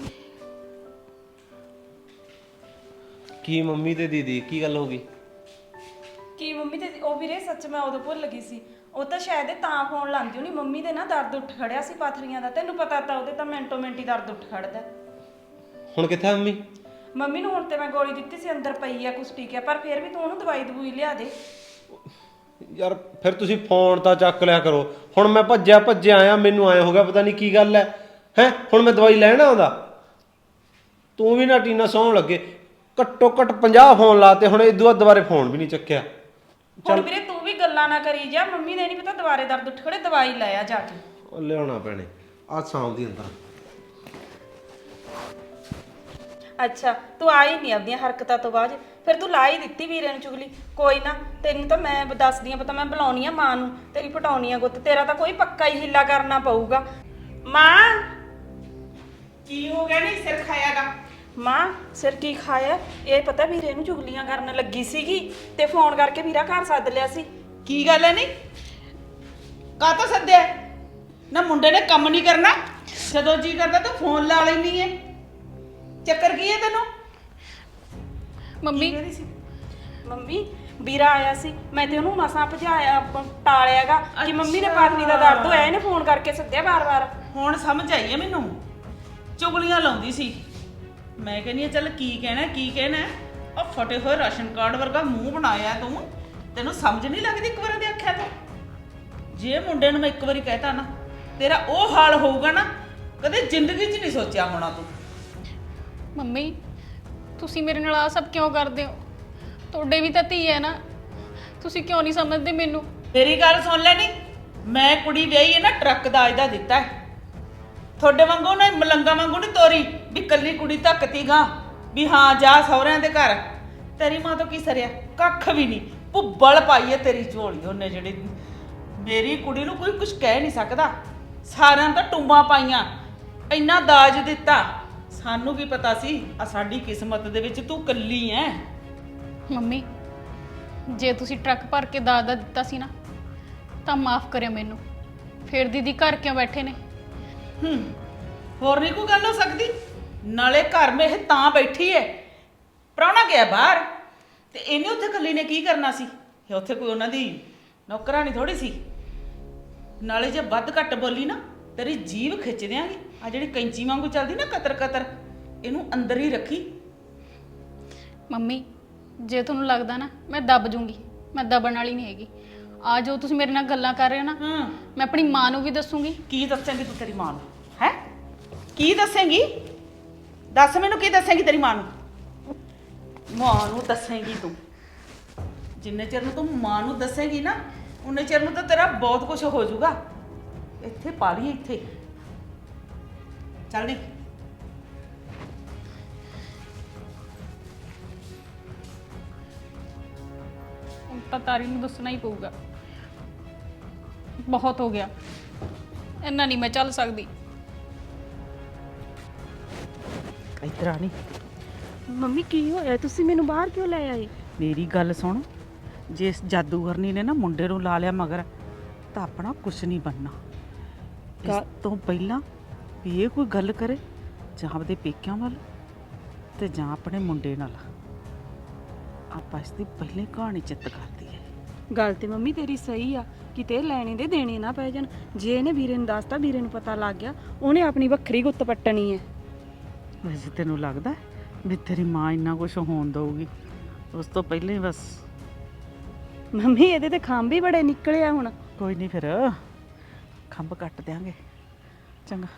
ਕੀ ਮੰਮੀ ਤੇ ਦੀਦੀ ਕੀ ਗੱਲ ਹੋ ਗਈ? ਕੀ ਮੰਮੀ ਤੇ ਉਹ ਵੀਰੇ ਸੱਚ ਮੈਂ ਉਦੋਂ ਭੁੱਲ ਗਈ ਸੀ, ਉਹ ਤਾਂ ਸ਼ਾਇਦ ਤਾਂ ਫੋਨ ਲਾਂਦੀ ਹੋਣੀ। ਮੰਮੀ ਦੇ ਨਾ ਦਰਦ ਉੱਠ ਖੜਿਆ ਸੀ ਪਾਥਰੀਆਂ ਦਾ, ਤੈਨੂੰ ਪਤਾ ਤਾਂ ਉਹਦੇ ਤਾਂ ਮਿੰਟੋ ਮਿੰਟ ਹੀ ਦਰਦ ਉੱਠ ਖੜਦਾ। ਹੁਣ ਕਿੱਥੇ ਆ ਮੰਮੀ? ਮੰਮੀ ਨੂੰ ਹੁਣ ਤੇ ਮੈਂ ਗੋਲੀ ਦਿੱਤੀ ਸੀ, ਅੰਦਰ ਪਈ ਆ ਕੁਛ ਠੀਕ ਹੈ, ਪਰ ਫਿਰ ਵੀ ਤੂੰ ਉਹਨੂੰ ਦਵਾਈ ਦਵੂਈ ਲਿਆ ਦੇ। ਯਾਰ ਫਿਰ ਤੁਸੀਂ ਫੋਨ ਤਾਂ ਚੱਕ ਲਿਆ ਕਰੋ। ਹੁਣ ਮੈਂ ਭੱਜਿਆ ਭੱਜਿਆ ਆਇਆ, ਮੈਨੂੰ ਆਏ ਹੋ ਗਿਆ ਪਤਾ ਨਹੀਂ ਕੀ ਗੱਲ ਹੈ ਹੈ ਹੁਣ ਮੈਂ ਦਵਾਈ ਲੈਣ ਆਉਂਦਾ? ਤੂੰ ਵੀ ਨਾ ਟੀਨਾ ਸੌਣ ਲੱਗੇ, ਘੱਟੋ ਘੱਟ ਪੰਜਾਹ ਫੋਨ ਲਾਤੇ, ਹੁਣ ਇਦੋਂ ਬਾਅਦ ਦੁਬਾਰੇ ਫੋਨ ਵੀ ਨਹੀਂ ਚੱਕਿਆ। ਹੁਣ ਵੀਰੇ ਤੂੰ ਵੀ ਗੱਲਾਂ ਨਾ ਕਰੀ ਜਾ, ਮੰਮੀ ਦੇ ਨਹੀਂ ਪਤਾ ਦੁਬਾਰੇ ਦਰਦ ਉੱਠ ਖੜੇ, ਦਵਾਈ ਲੈ ਆ ਜਾ ਕੇ। ਉਹ ਲਿਆਉਣਾ ਪੈਣੇ ਆ ਸਾਂਭ ਦੀ ਅੰਦਰ। ਅੱਛਾ ਤੂੰ ਆਈ ਨਹੀਂ ਆਪਦੀਆਂ ਹਰਕਤਾਂ ਤੋਂ ਬਾਅਦ, ਫਿਰ ਤੂੰ ਲਾ ਹੀ ਦਿੱਤੀ ਵੀਰੇ ਨੂੰ ਚੁਗਲੀ। ਕੋਈ ਨਾ ਤੈਨੂੰ ਤਾਂ ਮੈਂ ਦੱਸਦੀ ਆ, ਪਤਾ ਮੈਂ ਬੁਲਾਉਣੀ ਆ ਮਾਂ ਨੂੰ, ਤੇਰੀ ਪਟਾਉਣੀ ਆ ਗੁੱਤ। ਤੇਰਾ ਤਾਂ ਕੋਈ ਪੱਕਾ ਹੀ ਹਿੱਲਾ ਕਰਨਾ ਪਊਗਾ। ਮਾਂ ਕੀ ਹੋ ਗਿਆ? ਨਹੀਂ ਸਿਰ ਖਾਇਆਗਾ? ਮਾਂ ਸਿਰ ਕੀ ਖਾਇਆ? ਇਹ ਪਤਾ ਵੀਰੇ ਨੂੰ ਚੁਗਲੀਆਂ ਕਰਨ ਲੱਗੀ ਸੀਗੀ ਤੇ ਫੋਨ ਕਰਕੇ ਵੀਰਾ ਘਰ ਸੱਦ ਲਿਆ ਸੀ। ਕੀ ਗੱਲ ਹੈ? ਨਹੀਂ ਕਾਹਤੋਂ ਸੱਦਿਆ? ਨਾ ਮੁੰਡੇ ਨੇ ਕੰਮ ਨਹੀਂ ਕਰਨਾ, ਜਦੋਂ ਜੀ ਕਰਦਾ ਤੂੰ ਫੋਨ ਲਾ ਲੈਣੀ ਹੈ। ਚੱਕਰ ਕੀ ਹੈ ਤੈਨੂੰ? ਮੰਮੀ ਮੰਮੀ ਵੀਰਾ ਆਇਆ ਸੀ, ਮੈਂ ਤੇ ਉਹਨੂੰ ਮਸਾਂ ਭਜਾਇਆ ਟਾਲਿਆਗਾ ਕਿ ਮੰਮੀ ਨੇ ਪਾਤਨੀ ਦਾ ਦਰਦ ਹੋਇਆ, ਇਹਨੇ ਫੋਨ ਕਰਕੇ ਸੱਦਿਆ ਵਾਰ-ਵਾਰ। ਹੁਣ ਸਮਝ ਆਈ ਹੈ ਮੈਨੂੰ, ਚੁਗਲੀਆਂ ਲਾਉਂਦੀ ਸੀ। ਮੈਂ ਕਹਿੰਦੀ ਆ ਚੱਲ ਕੀ ਕਹਿਣਾ ਕੀ ਕਹਿਣਾ। ਉਹ ਫਟੇ ਹੋਏ ਰਾਸ਼ਨ ਕਾਰਡ ਵਰਗਾ ਮੂੰਹ ਬਣਾਇਆ ਤੂੰ, ਤੈਨੂੰ ਸਮਝ ਨਹੀਂ ਲੱਗਦੀ ਇੱਕ ਵਾਰ ਦੇ ਆਖਿਆ ਤੋਂ? ਜੇ ਮੁੰਡੇ ਨੂੰ ਮੈਂ ਇੱਕ ਵਾਰੀ ਕਹਿਤਾ ਨਾ ਤੇਰਾ ਉਹ ਹਾਲ ਹੋਊਗਾ ਨਾ, ਕਦੇ ਜ਼ਿੰਦਗੀ 'ਚ ਨਹੀਂ ਸੋਚਿਆ ਹੋਣਾ ਤੂੰ। ਮੰਮੀ ਤੁਸੀਂ ਮੇਰੇ ਨਾਲ ਆ ਸਭ ਕਿਉਂ ਕਰਦੇ ਹੋ? ਤੁਹਾਡੇ ਵੀ ਤਾਂ ਧੀ ਹੈ ਨਾ, ਤੁਸੀਂ ਕਿਉਂ ਨਹੀਂ ਸਮਝਦੇ ਮੈਨੂੰ? ਤੇਰੀ ਗੱਲ ਸੁਣ ਲੈ। ਨਹੀਂ ਮੈਂ ਕੁੜੀ ਵਿਆਹੀ ਹੈ ਨਾ, ਟਰੱਕ ਦਾ ਅਜਦਾ ਦਿੱਤਾ ਹੈ। ਤੁਹਾਡੇ ਵਾਂਗੂ ਨਾ ਮਲੰਗਾ ਵਾਂਗੂ ਨਹੀਂ ਤੋਰੀ ਵੀ ਕੱਲੀ ਕੁੜੀ ਧੱਕਤੀ ਗਾ ਵੀ ਹਾਂ ਜਾ ਸਹੁਰਿਆਂ ਦੇ ਘਰ। ਤੇਰੀ ਮਾਂ ਤੋਂ ਕੀ ਸਰਿਆ? ਕੱਖ ਵੀ ਨਹੀਂ। ਭੁੱਬਲ ਪਾਈ ਹੈ ਤੇਰੀ ਝੋਲੀ ਉਹਨੇ, ਜਿਹੜੀ ਮੇਰੀ ਕੁੜੀ ਨੂੰ ਕੋਈ ਕੁਝ ਕਹਿ ਨਹੀਂ ਸਕਦਾ। ਸਾਰਿਆਂ ਤਾਂ ਟੁੰਬਾਂ ਪਾਈਆਂ, ਇੰਨਾ ਦਾਜ ਦਿੱਤਾ। ਸਾਨੂੰ ਕੀ ਪਤਾ ਸੀ ਆ ਸਾਡੀ ਕਿਸਮਤ ਦੇ ਵਿੱਚ ਤੂੰ ਕੱਲੀ ਐ। ਮੰਮੀ ਜੇ ਤੁਸੀਂ ਟਰੱਕ ਭਰ ਕੇ ਦਾਜ ਦਾ ਦਿੱਤਾ ਸੀ ਨਾ ਤਾਂ ਮਾਫ ਕਰਿਓ ਮੈਨੂੰ। ਫਿਰ ਦੀਦੀ ਘਰ ਕਿਉਂ ਬੈਠੇ ਨੇ? ਹੂੰ ਹੋਰ ਨਹੀਂ ਕੋਈ ਗੱਲ ਹੋ ਸਕਦੀ? ਨਾਲੇ ਘਰ ਮੇ ਇਹ ਤਾਂ ਬੈਠੀ ਐ, ਪ੍ਰਾਹੁਣਾ ਗਿਆ ਬਾਹਰ ਤੇ ਇਹਨੇ ਉੱਥੇ ਕੱਲੀ ਨੇ ਕੀ ਕਰਨਾ ਸੀ? ਇਹ ਉੱਥੇ ਕੋਈ ਉਹਨਾਂ ਦੀ ਨੌਕਰਾਨੀ ਥੋੜੀ ਸੀ। ਨਾਲੇ ਜੇ ਵੱਧ ਘੱਟ ਬੋਲੀ ਨਾ ਤੇਰੀ ਜੀਭ ਖਿੱਚ ਦਿਆਂਗੀ। ਆ ਜਿਹੜੀ ਕੈਂਚੀ ਵਾਂਗੂ ਚੱਲਦੀ ਨਾ ਕਤਰ ਕਤਰ, ਇਹਨੂੰ ਅੰਦਰ ਹੀ ਰੱਖੀ। ਮੰਮੀ ਜੇ ਤੁਹਾਨੂੰ ਲੱਗਦਾ ਨਾ ਮੈਂ ਦੱਬ ਜੂੰਗੀ, ਮੈਂ ਦਬਣ ਵਾਲੀ ਨਹੀਂ ਹੈਗੀ। ਆ ਜੋ ਤੁਸੀਂ ਮੇਰੇ ਨਾਲ ਗੱਲਾਂ ਕਰ ਰਹੇ ਹੋ ਨਾ, ਹਾਂ ਮੈਂ ਆਪਣੀ ਮਾਂ ਨੂੰ ਵੀ ਦੱਸੂਗੀ। ਕੀ ਦੱਸੇਂਗੀ ਤੂੰ ਤੇਰੀ ਮਾਂ ਨੂੰ? ਹੈ ਕੀ ਦੱਸੇਂਗੀ? ਦੱਸ ਮੈਨੂੰ ਕੀ ਦੱਸੇਂਗੀ ਤੇਰੀ ਮਾਂ ਨੂੰ? ਮਾਂ ਨੂੰ ਦੱਸੇਂਗੀ ਤੂੰ? ਜਿੰਨੇ ਚਿਰ ਨੂੰ ਤੂੰ ਮਾਂ ਨੂੰ ਦੱਸੇਂਗੀ ਨਾ ਉਨੇ ਚਿਰ ਨੂੰ ਤਾਂ ਤੇਰਾ ਬਹੁਤ ਕੁਝ ਹੋ ਜਾਊਗਾ। ਇੱਥੇ ਪਾ ਲਈ ਇੱਥੇ। ਚੱਲ ਨੀ। ਹੁਣ ਤਾਂ ਤਾਰੀ ਨੂੰ ਦੱਸਣਾ ਹੀ ਪਊਗਾ। ਬਹੁਤ ਹੋ ਗਿਆ, ਇੰਨਾ ਨਹੀਂ ਮੈਂ ਚੱਲ ਸਕਦੀ। ਇੱਧਰ ਆ ਨੀ। ਮੰਮੀ ਕੀ ਹੋਇਆ? ਤੁਸੀਂ ਮੈਨੂੰ ਬਾਹਰ ਕਿਉਂ ਲੈ ਆਏ? ਮੇਰੀ ਗੱਲ ਸੁਣ, ਜੇ ਇਸ ਜਾਦੂਗਰਨੀ ਨੇ ਨਾ ਮੁੰਡੇ ਨੂੰ ਲਾ ਲਿਆ ਮਗਰ ਤਾਂ ਆਪਣਾ ਕੁਛ ਨਹੀਂ ਬਣਨਾ। ਇਸ ਤੋਂ ਪਹਿਲਾਂ ਵੀ ਇਹ ਕੋਈ ਗੱਲ ਕਰੇ ਜਾਂ ਆਪਦੇ ਪੇਕਿਆਂ ਵੱਲ ਤੇ ਜਾਂ ਆਪਣੇ ਮੁੰਡੇ ਨਾਲ, ਆਪਾਂ ਇਸ ਦੀ ਪਹਿਲੇ ਕਹਾਣੀ ਚਿੱਤ ਕਰਦੀ ਹੈ। ਗੱਲ ਤੇ ਮੰਮੀ ਤੇਰੀ ਸਹੀ ਆ, ਕਿਤੇ ਲੈਣੇ ਦੇ ਦੇਣੇ ਨਾ ਪੈ ਜਾਣ। ਜੇ ਇਹਨੇ ਵੀਰੇ ਨੂੰ ਦੱਸਤਾ, ਵੀਰੇ ਨੂੰ ਪਤਾ ਲੱਗ ਗਿਆ, ਉਹਨੇ ਆਪਣੀ ਵੱਖਰੀ ਗੁੱਤ ਪੱਟਣੀ ਹੈ। ਵੈਸੇ ਤੈਨੂੰ ਲੱਗਦਾ ਵੀ ਤੇਰੀ ਮਾਂ ਇੰਨਾ ਕੁਝ ਹੋਣ ਦਊਗੀ? ਉਸ ਤੋਂ ਪਹਿਲਾਂ ਹੀ ਬਸ। ਮੰਮੀ ਇਹਦੇ ਤੇ ਖੰਭ ਹੀ ਬੜੇ ਨਿਕਲੇ ਆ ਹੁਣ। ਕੋਈ ਨਹੀਂ, ਫਿਰ ਖੰਭ ਕੱਟ ਦਿਆਂਗੇ। ਚੰਗਾ।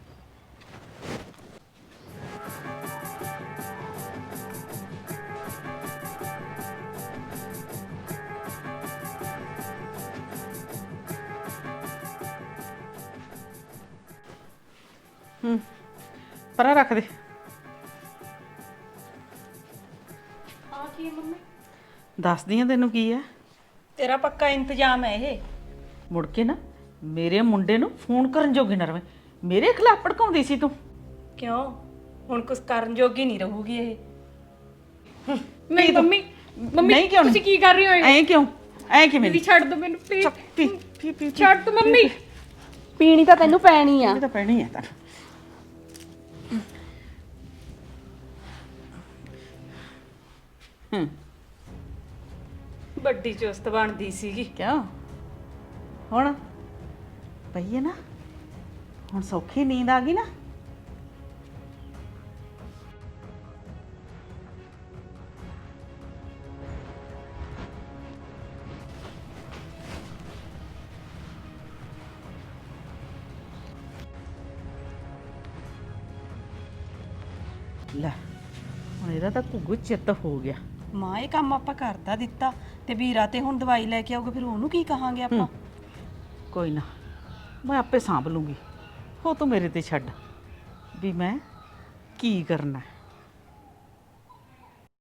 ਹੂੰ, ਪਰਾਂ ਰੱਖ ਦੇ। ਆ ਕੀ ਹੈ ਮੰਮੀ? ਦੱਸਦੀ ਆ ਤੈਨੂੰ ਕੀ ਹੈ। ਤੇਰਾ ਪੱਕਾ ਇੰਤਜ਼ਾਮ ਹੈ ਇਹ? ਮੁੜ ਕੇ ਨਾ ਮੇਰੇ ਮੁੰਡੇ ਨੂੰ ਫੋਨ ਕਰਨ ਜੋਗੀ ਨਾ ਰਵੇਂ। ਮੇਰੇ ਖਿਲਾਫ ਭੜਕਾਉਂਦੀ ਸੀ ਤੂੰ। ਕਿਉਂ? ਹੁਣ ਕੁਝ ਕਰਨ ਜੋਗੀ ਨਹੀਂ ਰਹੂਗੀ ਇਹ। ਨਹੀਂ ਮੰਮੀ, ਮੰਮੀ ਨਹੀਂ ਕਿਉਂ ਨਹੀਂ? ਤੁਸੀਂ ਕੀ ਕਰ ਰਹੇ ਹੋ? ਐਂ ਕਿਉਂ? ਐਂ ਕਿਵੇਂ? ਦੀਦੀ ਛੱਡ ਦਿਓ ਮੈਨੂੰ ਪਲੀਜ਼। ਪੀ ਪੀ ਪੀ ਛੱਡ ਦਿਓ ਮੰਮੀ। ਪੀਣੀ ਤਾਂ ਤੈਨੂੰ ਪੈਣੀ ਆ। ਇਹ ਤਾਂ ਪੈਣੀ ਹੈ ਤਾਂ। ਹੂੰ, ਵੱਡੀ ਚੁਸਤ ਬਣਦੀ ਸੀਗੀ। ਕਿਉਂ? ਹੁਣ ਪਈ ਹੈ ਨਾ, ਹੁਣ ਸੌਖੀ ਨੀਂਦ ਆ ਗਈ ਨਾ। ਲੈ ਹੁਣ ਇਹਦਾ ਤਾਂ ਘੁੱਗੂ ਚਿੱਤ ਹੋ ਗਿਆ। ਮਾਂ ਇਹ ਕੰਮ ਆਪਾਂ ਕਰਦਾ ਦਿੱਤਾ ਤੇ ਵੀਰਾ ਤੇ ਹੁਣ ਦਵਾਈ ਲੈ ਕੇ ਆਊਗਾ, ਫਿਰ ਉਹਨੂੰ ਕੀ ਕਹਾਂਗੇ ਆਪਾਂ? ਕੋਈ ਨਾ, ਮੈਂ ਆਪੇ ਸਾਂਭ ਲੂੰਗੀ। ਹੋ ਤੂੰ ਮੇਰੇ ਤੇ ਛੱਡ ਵੀ ਮੈਂ ਕੀ ਕਰਨਾ ਹੈ।